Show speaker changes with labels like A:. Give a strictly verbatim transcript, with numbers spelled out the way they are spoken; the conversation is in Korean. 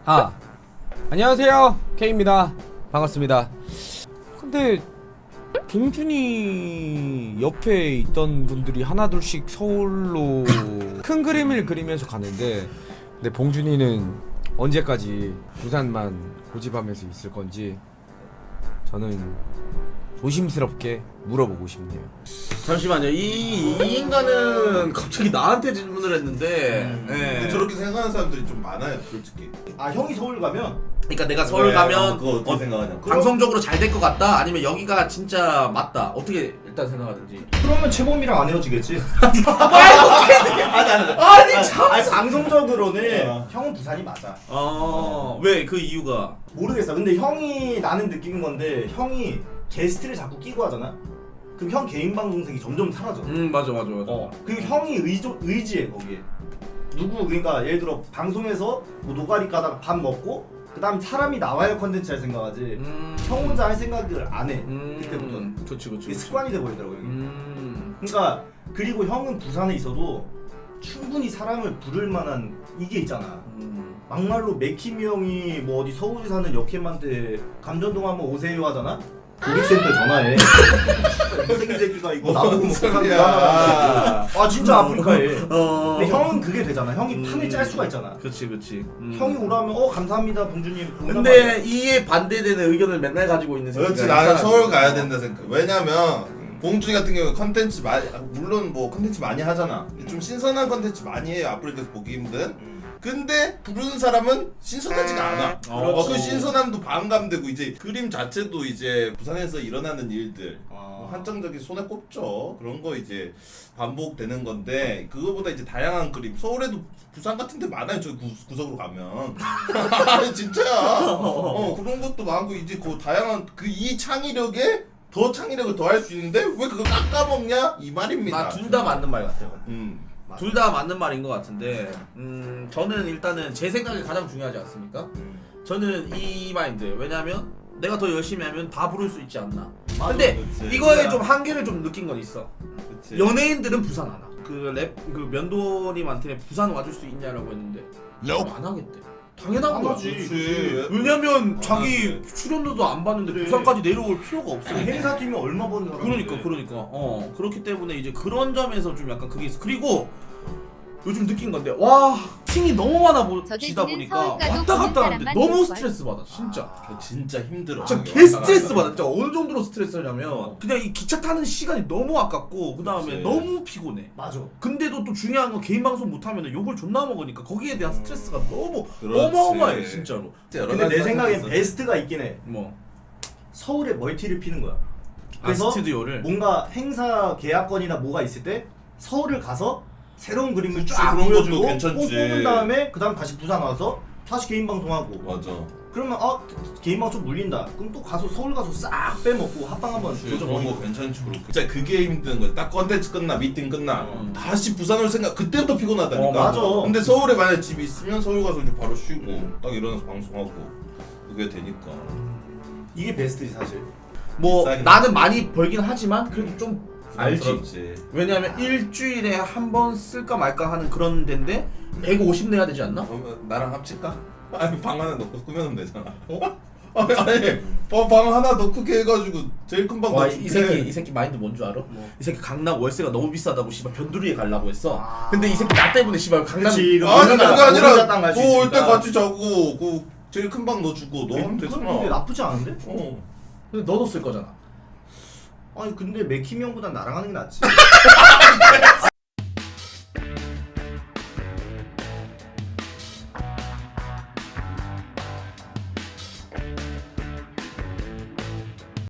A: 아, 안녕하세요, K입니다. 반갑습니다. 근데 봉준이 옆에 있던 분들이 하나둘씩 서울로 큰 그림을 그리면서 가는데, 근데 봉준이는 언제까지 부산만 고집하면서 있을 건지 저는 조심스럽게 물어보고 싶네요.
B: 잠시만요. 이, 이 인간은 갑자기 나한테 질문을 했는데,
C: 음.
B: 예.
C: 근데 저렇게 생각하는 사람들이 좀 많아요, 솔직히.
D: 아 형이 서울 가면
B: 그러니까 내가 서울
C: 왜?
B: 가면
C: 어, 그거 어떻게
B: 어,
C: 생각하냐?
B: 방송적으로 잘 될 것 같다, 아니면 여기가 진짜 맞다. 어떻게 일단 생각하든지.
D: 그러면 최범이랑 안 헤어지겠지.
B: 아니 아니. 아니 참.
D: 아니 방송적으로는
C: 어.
D: 형은 부산이 맞아.
B: 어왜 그 이유가?
D: 모르겠어. 근데 형이 나는 느낀 건데 형이 게스트를 자꾸 끼고 하잖아. 그럼 형 개인 방송색이 점점 사라져.
B: 음 맞아 맞아 맞아.
D: 어. 그리고 형이 의조, 의지해 거기에. 누구 그러니까 예를 들어 방송에서 뭐 노가리 까다가 밥 먹고 그다음 사람이 나와야 컨텐츠 할 생각하지.
B: 음.
D: 형 혼자 할 생각을 안 해.
B: 음.
D: 그때부터는.
B: 그치 그치.
D: 이게
B: 그치.
D: 습관이 돼 버리더라고 형이.
B: 음.
D: 그러니까 그리고 형은 부산에 있어도 충분히 사람을 부를 만한 이게 있잖아.
B: 음.
D: 막말로 맥힘이 형이 뭐 어디 서울에 사는 역캠한테 감전동 한번 오세요 하잖아? 고객센터 전화해. 이 새끼 새끼가 이거 나보고 먹고 사는
C: 소리야.
D: 거야. 아 진짜 아프리카에.
B: 어.
D: 근데 형은 그게 되잖아. 형이
B: 음.
D: 판을 짤 수가 있잖아.
B: 그치 그치. 음.
D: 형이 오라면 어 감사합니다 봉준님.
B: 근데 이에 반대되는 의견을 맨날 가지고 있는 새끼가
C: 그렇지, 나는
B: 이
C: 서울
B: 사람이.
C: 가야 된다 생각. 왜냐면 봉준이 같은 경우에 컨텐츠 많이, 물론 뭐 컨텐츠 많이 하잖아. 좀 신선한 컨텐츠 많이 해요. 아프리카에서 보기 힘든. 근데 부르는 사람은 신선하지가 않아. 어, 그
D: 그렇지.
C: 신선함도 반감되고 이제 그림 자체도 이제 부산에서 일어나는 일들 뭐
D: 아.
C: 한정적인 손에 꼽죠. 그런 거 이제 반복되는 건데 그거보다 이제 다양한 그림. 서울에도 부산 같은 데 많아요. 저 구, 구석으로 가면. 진짜야. 어, 그런 것도 많고 이제 그 다양한 그 이 창의력에 더 창의력을 더할 수 있는데 왜 그거 깎아먹냐 이 말입니다.
B: 둘 다 맞는 말 같아요.
C: 음.
B: 둘 다 맞는 말인 것 같은데, 음 저는 일단은 제 생각이 가장 중요하지 않습니까?
C: 음.
B: 저는 이 마인드. 왜냐면 내가 더 열심히 하면 다 부를 수 있지 않나.
D: 맞아,
B: 근데
C: 그치.
B: 이거에
C: 그거야.
B: 좀 한계를 좀 느낀 건 있어.
C: 그치.
B: 연예인들은 부산 안 와. 그 랩 그 면도님한테 부산 와줄 수 있냐라고 했는데 안 하겠대. 당연한
D: 안
B: 거지.
C: 그치.
B: 왜냐면
C: 안
B: 자기
C: 하지.
B: 출연료도 안 받는데
D: 그래.
B: 부산까지 내려올 필요가 없어.
D: 행사 뛰면 얼마 버는 사람?
B: 그러니까 그러니까 어 그렇기 때문에 이제 그런 점에서 좀 약간 그게 있어. 그리고 요즘 느낀 건데 와 팀이 너무 많아 보시다 보니까 왔다 갔다 하는데 너무 스트레스 받아 진짜.
C: 그거 진짜 힘들어.
B: 진짜
C: 그게
B: 개
C: 왔다
B: 스트레스
C: 갔다
B: 받아. 진짜 어느 정도로 스트레스냐면 그냥 이 기차 타는 시간이 너무 아깝고 그 다음에
C: 그치.
B: 너무 피곤해.
D: 맞아.
B: 근데도 또 중요한 건 개인 방송 못하면 욕을 존나 먹으니까 거기에 대한 스트레스가 너무
C: 그렇지.
B: 어마어마해 진짜로.
D: 근데 내 생각엔 베스트가 있긴 해.
B: 뭐
D: 서울에 멀티를 피는 거야.
B: 아,
D: 그래서
B: 스튜디오를
D: 뭔가 행사 계약건이나 뭐가 있을 때 서울을 가서 새로운 그림을
C: 그치,
D: 쫙
C: 그런 것도
D: 보여주고
C: 괜찮지.
D: 뽕 뽑은 다음에 그 다음 다시 부산 와서 다시 개인 방송하고
C: 맞아.
D: 그러면 아 개인 방송 물린다 그럼 또 가서 서울 가서 싹 빼먹고 합방 한번
C: 그런
D: 조져버리고
C: 거 괜찮지. 그렇고. 진짜 그게 힘든 거야. 딱 컨텐츠 끝나, 미팅 끝나,
B: 음.
C: 다시 부산 올 생각. 그때부터 피곤하다니까.
D: 어, 맞아.
C: 근데 서울에 만약 집이 있으면 서울 가서 이제 바로 쉬고
D: 음.
C: 딱 일어나서 방송하고 그게 되니까.
D: 이게 베스트지 사실.
B: 뭐
C: 비싸긴
B: 나는
C: 하지.
B: 많이 벌긴 하지만 그래도 좀 알지.
C: 부담스럽지.
B: 왜냐면 일주일에 한 번 쓸까 말까 하는 그런 데인데 백오십 내야 되지 않나?
C: 그러면 나랑 합칠까? 아니 방 하나 넣고 꾸며놓으면 되잖아. 어? 아니 아니 방, 방 하나 더 크게 해가지고 제일 큰 방
B: 와,
C: 넣어줄게.
B: 이 새끼 이 새끼 마인드 뭔 줄 알아?
D: 뭐.
B: 이 새끼 강남 월세가 너무 비싸다고 씨발 변두리에 가려고 했어.
D: 아.
B: 근데 이 새끼 나 때문에 씨발 강남
D: 그치, 이거
C: 아니 그게
D: 모르나,
C: 아니라
D: 모르나 땅 갈수
C: 뭐 올 때
D: 있으니까.
C: 같이 자고 그 제일 큰 방 넣어주고 너 하면
D: 그건
C: 되잖아.
D: 근데 나쁘지 않은데?
C: 어.
B: 근데 너도 쓸 거잖아.
D: 아니 근데 맥힘 형보단 나랑 하는 게 낫지.